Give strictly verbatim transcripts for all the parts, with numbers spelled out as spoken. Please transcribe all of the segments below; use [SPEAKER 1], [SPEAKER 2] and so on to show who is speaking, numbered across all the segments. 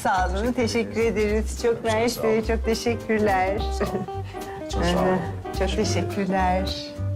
[SPEAKER 1] Sağ olun, teşekkür ederiz. Çok Naş Bey, çok teşekkürler.
[SPEAKER 2] Çok sağ olun.
[SPEAKER 1] Çok teşekkürler.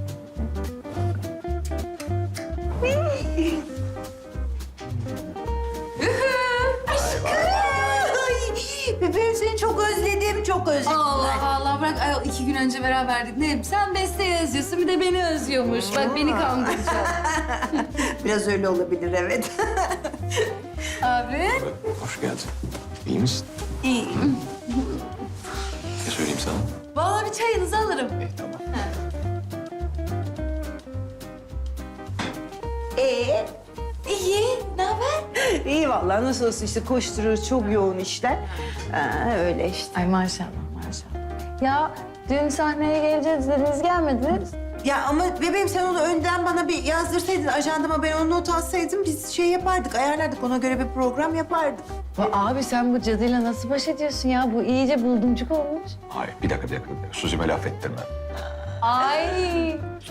[SPEAKER 3] Bebeğim seni çok özledim, çok özledim.
[SPEAKER 4] Allah Allah bırak ayol iki gün önce beraberdik. Ne sen Beste'yi özlüyorsun bir de beni özlüyormuş. Bak beni kandıracak.
[SPEAKER 3] Biraz öyle olabilir, evet.
[SPEAKER 4] Abi.
[SPEAKER 2] Hoş geldin. İyi misin?
[SPEAKER 4] İyiyim.
[SPEAKER 2] Ne söyleyeyim sana?
[SPEAKER 4] Vallahi bir çayınızı alırım.
[SPEAKER 2] İyi, tamam.
[SPEAKER 3] Ee,
[SPEAKER 4] İyi. Ne haber?
[SPEAKER 1] İyi vallahi, nasıl olsun işte koşturuyoruz, çok yoğun işler. Ha, öyle işte.
[SPEAKER 4] Ay maşallah maşallah. Ya dün sahneye geleceğiz dediniz gelmediniz.
[SPEAKER 3] ya ama bebeğim sen onu önden bana bir yazdırsaydın, ajandama ben onu not alsaydım biz şey yapardık, ayarlardık. Ona göre bir program yapardık.
[SPEAKER 4] Ya abi sen bu cadıyla nasıl baş ediyorsun ya? Bu iyice buldumcuk olmuş.
[SPEAKER 2] Hayır, bir dakika, bir dakika. Bir dakika. Suzi'me laf ettirme.
[SPEAKER 4] Ay.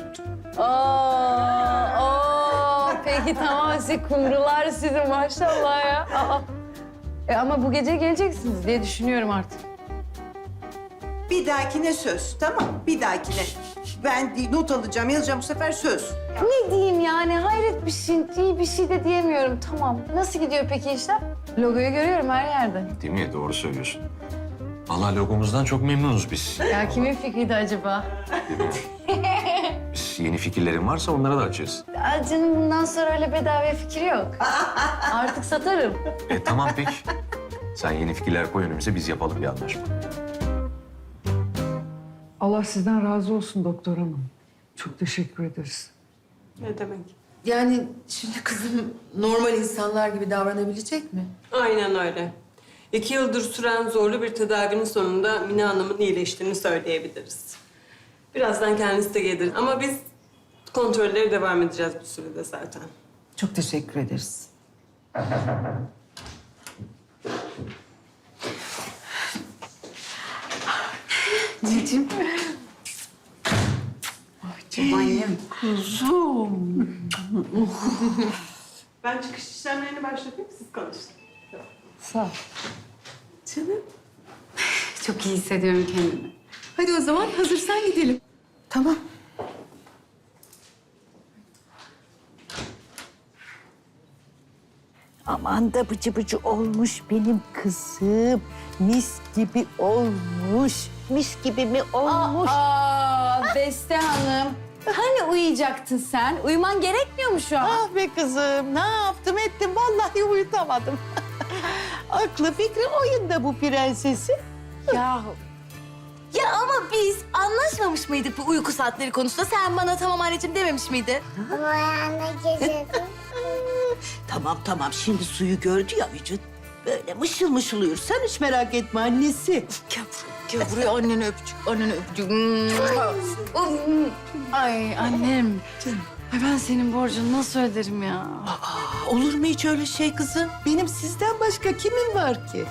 [SPEAKER 4] Oo, oo. Peki tamam size kumrular sizin maşallah ya. Aa. E ama bu gece geleceksiniz diye düşünüyorum artık.
[SPEAKER 3] Bir dahakine söz, tamam? Bir dahakine. Ben not alacağım, yazacağım bu sefer söz.
[SPEAKER 4] Ne diyeyim yani hayret bir şey, iyi bir şey de diyemiyorum. Tamam. Nasıl gidiyor peki işler? Logoyu görüyorum her yerde.
[SPEAKER 2] Değil mi? Doğru söylüyorsun. Vallahi logomuzdan çok memnunuz biz.
[SPEAKER 4] Ya kimin fikriydi acaba?
[SPEAKER 2] Biz yeni fikirlerin varsa onlara da açığız.
[SPEAKER 4] Aa, canım bundan sonra öyle bedava fikir yok. Artık satarım.
[SPEAKER 2] E tamam peki. Sen yeni fikirler koy önümüze, biz yapalım bir anlaşma.
[SPEAKER 5] Allah sizden razı olsun doktor hanım. Çok teşekkür ederiz.
[SPEAKER 6] Ne demek?
[SPEAKER 7] Yani şimdi kızım normal insanlar gibi davranabilecek mi?
[SPEAKER 6] Aynen öyle. İki yıldır süren zorlu bir tedavinin sonunda Mine Hanım'ın iyileştiğini söyleyebiliriz. Birazdan kendisi de gelir ama biz kontrollere devam edeceğiz bu sürede zaten.
[SPEAKER 3] Çok teşekkür ederiz.
[SPEAKER 7] Anneciğim.
[SPEAKER 3] Annem.
[SPEAKER 6] Ben çıkış işlemlerini başlatayım, siz konuşun.
[SPEAKER 4] Sağ ol.
[SPEAKER 7] Canım. Çok iyi hissediyorum kendimi. Hadi o zaman hazırsan gidelim.
[SPEAKER 3] Tamam.
[SPEAKER 8] Aman da bıcı bıcı olmuş benim kızım. Mis gibi olmuş. Mis gibi mi olmuş?
[SPEAKER 4] Aa, Beste Hanım. Hani uyuyacaktın sen? Uyuman gerekmiyor mu şu an?
[SPEAKER 8] Ah be kızım, ne yaptım ettim vallahi uyutamadım. Aklı fikri oyunda bu prensesi.
[SPEAKER 4] Yahu. Ya ama biz anlaşmamış mıydık bu uyku saatleri konusunda? Sen bana tamam anneciğim dememiş miydin?
[SPEAKER 9] Ama ayağına geziyordum.
[SPEAKER 8] Tamam tamam, şimdi suyu gördü ya vücut. Böyle mışıl mışıl uyur. Sen hiç merak etme annesi.
[SPEAKER 4] Gel buraya, gel buraya anneni öpücük, anneni öpücük. Ay annem. Ay ben senin borcunu nasıl öderim ya?
[SPEAKER 8] Aa, olur mu hiç öyle şey kızım? Benim sizden başka kimin var ki?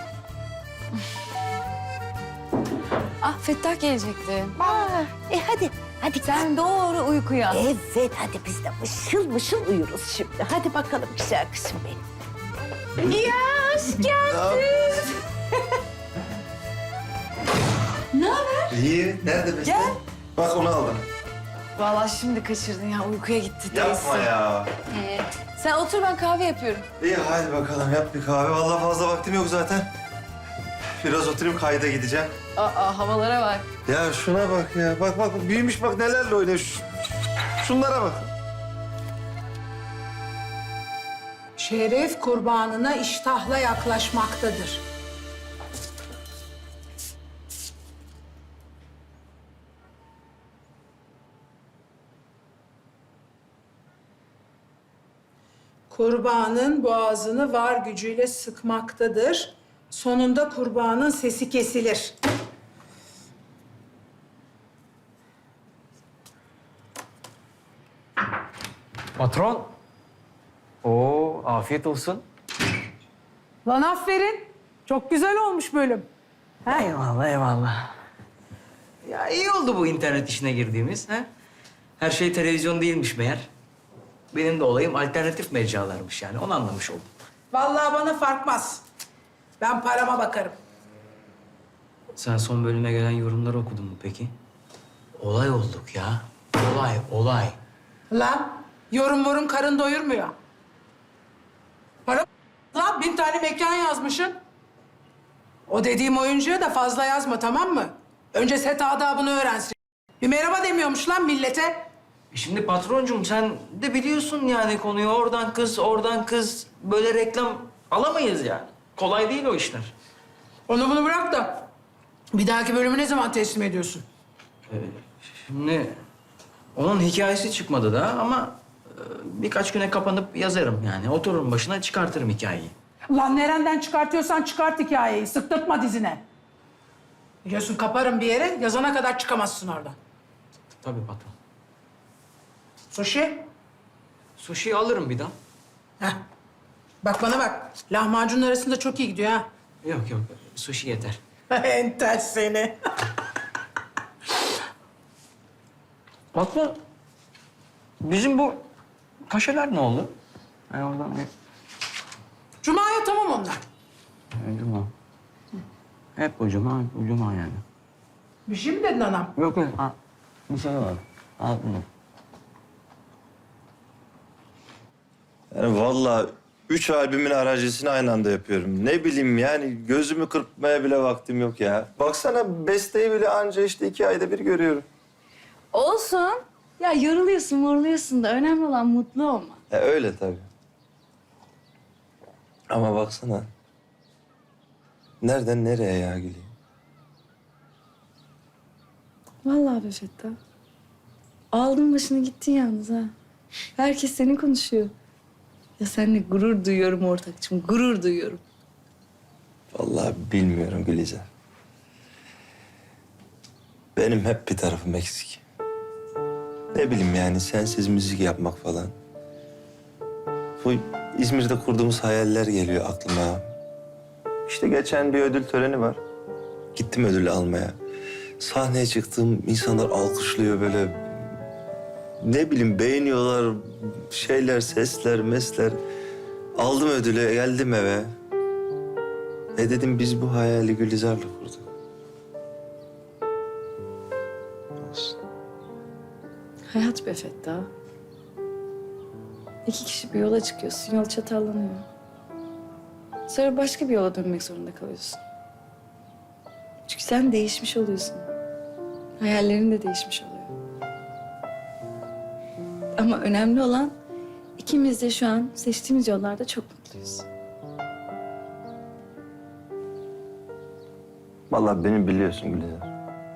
[SPEAKER 4] Ah Fettah gelecekti.
[SPEAKER 8] Aa, e hadi, hadi
[SPEAKER 4] Sen doğru uykuya.
[SPEAKER 8] Evet, hadi biz de mışıl mışıl uyuruz şimdi. Hadi bakalım güzel kızım benim.
[SPEAKER 4] Ya hoş geldin. Ne haber?
[SPEAKER 10] İyi. Nerede Beste?
[SPEAKER 4] Gel.
[SPEAKER 10] Bak onu aldım.
[SPEAKER 4] Vallahi şimdi kaçırdın ya uykuya gitti
[SPEAKER 10] Yapma
[SPEAKER 4] teyze.
[SPEAKER 10] ya.
[SPEAKER 4] Ee, sen otur ben kahve yapıyorum.
[SPEAKER 10] İyi hadi bakalım yap bir kahve. Vallahi fazla vaktim yok zaten. Biraz oturayım kayda gideceğim.
[SPEAKER 4] Aa havalara bak.
[SPEAKER 10] Ya şuna bak ya. Bak bak büyümüş bak nelerle oynuyor. Şu- Şunlara bak.
[SPEAKER 11] Şeref kurbanına iştahla yaklaşmaktadır. Kurbanın boğazını var gücüyle sıkmaktadır. Sonunda kurbanın sesi kesilir.
[SPEAKER 12] Patron. Oo, afiyet olsun.
[SPEAKER 11] Lan aferin. Çok güzel olmuş bölüm.
[SPEAKER 12] Eyvallah, eyvallah. Ya iyi oldu bu internet işine girdiğimiz. Ha? Her şey televizyon değilmiş meğer. Benim de olayım alternatif mecralarmış yani. Onu anlamış oldum.
[SPEAKER 11] Vallahi bana farkmaz. Ben parama bakarım.
[SPEAKER 12] Sen son bölüme gelen yorumları okudun mu peki? Olay olduk ya. Olay, olay.
[SPEAKER 11] Lan yorum morum karın doyurmuyor. Para lan bin tane mekan yazmışsın. O dediğim oyuncuya da fazla yazma tamam mı? Önce set adabını öğrensin. Bir merhaba demiyormuş lan millete.
[SPEAKER 12] E Şimdi patroncum sen de biliyorsun yani konuyu. Oradan kız, oradan kız. Böyle reklam alamayız yani. Kolay değil o işler.
[SPEAKER 11] Onu bunu bırak da bir dahaki bölümü ne zaman teslim ediyorsun?
[SPEAKER 12] Şimdi onun hikayesi çıkmadı daha ama e, birkaç güne kapanıp yazarım yani. Otururum başına çıkartırım hikayeyi.
[SPEAKER 11] Lan nereden çıkartıyorsan çıkart hikayeyi. Sıktırtma dizine. Biliyorsun kaparım bir yere, yazana kadar çıkamazsın oradan.
[SPEAKER 12] Tabii patron.
[SPEAKER 11] Sushi?
[SPEAKER 12] Sushi'yi alırım bir daha.
[SPEAKER 11] Heh. Bak bana bak. Lahmacunun arasında çok iyi gidiyor ha.
[SPEAKER 12] Yok yok, sushi yeter.
[SPEAKER 11] Enter seni.
[SPEAKER 12] Patron, bizim bu kaşeler ne oldu? Yani oradan bir...
[SPEAKER 11] Cuma'ya tamam onlar.
[SPEAKER 12] Cuma. Hep bu cuma, hep bu cuma yani.
[SPEAKER 11] Bir şey mi dedin anam?
[SPEAKER 12] Yok yok, al. Bir şey var. Al bunu.
[SPEAKER 10] Yani vallahi üç albümün aranjesini aynı anda yapıyorum. Ne bileyim yani gözümü kırpmaya bile vaktim yok ya. Baksana besteyi bile anca işte iki ayda bir görüyorum.
[SPEAKER 4] Olsun. Ya yoruluyorsun, moruluyorsun da önemli olan mutlu olma.
[SPEAKER 10] Ya öyle tabii. Ama baksana. Nereden nereye ya Gülüyor?
[SPEAKER 4] Vallahi be Fettah. Aldın başını gittin yalnız ha. Herkes seni konuşuyor. Ya seninle gurur duyuyorum ortakçım, gurur duyuyorum.
[SPEAKER 10] Vallahi bilmiyorum Gülizar. Benim hep bir tarafım eksik. Ne bileyim yani sensiz müzik yapmak falan. Bu İzmir'de kurduğumuz hayaller geliyor aklıma. İşte geçen bir ödül töreni var. Gittim ödülü almaya. Sahneye çıktım, insanlar alkışlıyor böyle. Ne bileyim beğeniyorlar şeyler, sesler, mesler. Aldım ödülü, geldim eve. E dedim biz bu hayali Gülizar'la kurduk. Olsun.
[SPEAKER 4] Hayat be Fettah. İki kişi bir yola çıkıyorsun, yol çatallanıyor. Sonra başka bir yola dönmek zorunda kalıyorsun. Çünkü sen değişmiş oluyorsun. Hayallerin de değişmiş oluyor. Ama önemli olan ikimiz de şu an seçtiğimiz yollarda çok mutluyuz.
[SPEAKER 10] Vallahi beni biliyorsun Gülizar.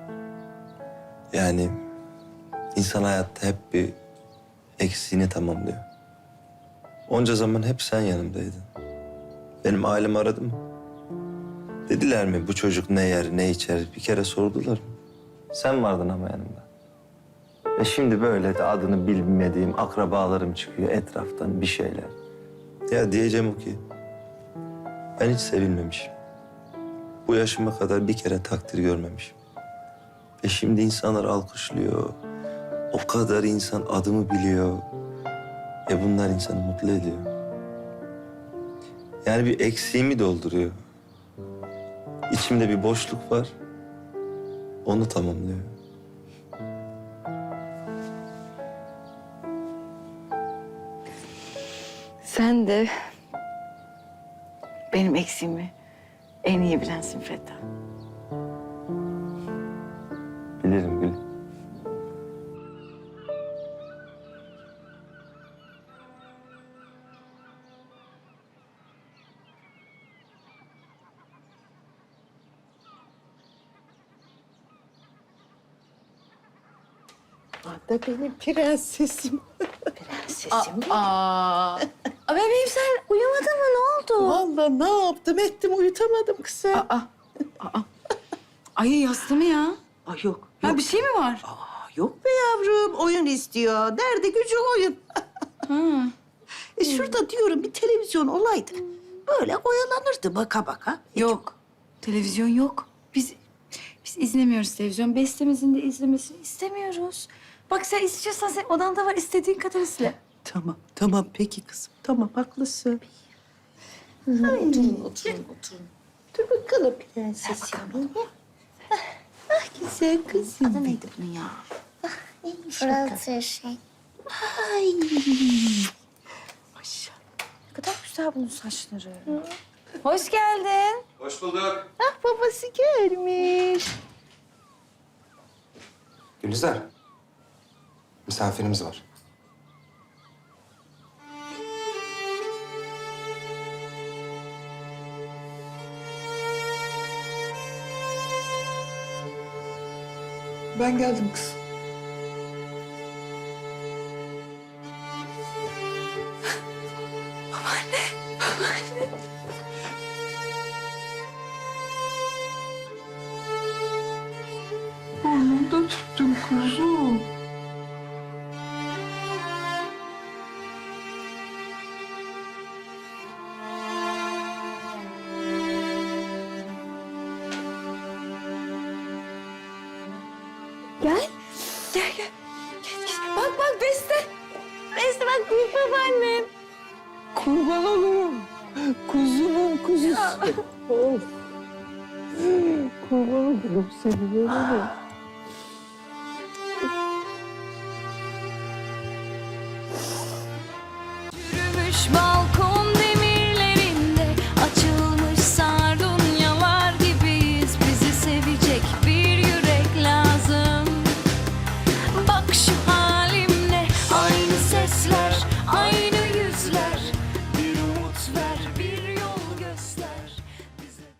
[SPEAKER 10] Yani insan hayatta hep bir eksiğini tamamlıyor. Onca zaman hep sen yanımdaydın. Benim ailem aradı mı? Dediler mi bu çocuk ne yer, ne içer? Bir kere sordular mı? Sen vardın ama yanımda. Ve şimdi böyle de adını bilmediğim akrabalarım çıkıyor etraftan bir şeyler. Ya diyeceğim o ki ben hiç sevilmemişim. Bu yaşıma kadar bir kere takdir görmemişim. Ve şimdi insanlar alkışlıyor. O kadar insan adımı biliyor. E bunlar insanı mutlu ediyor. Yani bir eksiğimi dolduruyor. İçimde bir boşluk var. Onu tamamlıyor.
[SPEAKER 4] Sen de benim eksiğimi en iyi bilensin Fettah.
[SPEAKER 10] Bilirim Gül.
[SPEAKER 8] Da benim prensesim. Prensesim.
[SPEAKER 4] Aa, Aa bebeğim sen uyumadın mı? Ne oldu?
[SPEAKER 8] Vallahi ne yaptım ettim uyutamadım kızım.
[SPEAKER 4] Aa, aa. Ay yastı mı ya?
[SPEAKER 8] Ay yok.
[SPEAKER 4] Ha
[SPEAKER 8] yok.
[SPEAKER 4] bir şey mi var?
[SPEAKER 8] Aa, yok be yavrum oyun istiyor. Derdi gücü oyun.
[SPEAKER 4] Ha.
[SPEAKER 8] E şurada diyorum bir televizyon olaydı. Böyle oyalanırdı baka baka.
[SPEAKER 4] Yok. Televizyon yok. Biz biz izlemiyoruz televizyon. Bestemizin de izlemesini istemiyoruz. Bak sen istiyorsan sen odanda var istediğin kadar izle.
[SPEAKER 8] Tamam tamam peki kızım. Tamam haklısın.
[SPEAKER 4] Oturun, oturun, oturun.
[SPEAKER 8] Dur bakalım prensesim benim. Ah, ah güzel kızım.
[SPEAKER 7] Adı neydi bunun ya?
[SPEAKER 8] İyiymiş bakalım.
[SPEAKER 9] Fırlatır şey.
[SPEAKER 8] Ay.
[SPEAKER 4] Ne kadar güzel bunun saçları. Hoş geldin.
[SPEAKER 10] Hoş bulduk.
[SPEAKER 8] Ah babası gelmiş.
[SPEAKER 13] Gülizar, misafirimiz var.
[SPEAKER 5] Ben geldim kızım. Burnumda tuttun kuzum.
[SPEAKER 4] Gel. Gel gel. Gel, gel. Bak bak Beste. Beste bak büyük babaannem.
[SPEAKER 5] Kurban olurum. Kuzumun kuzusu. Of. Kurban olurum seni böyle.
[SPEAKER 4] Yürümüş balkon.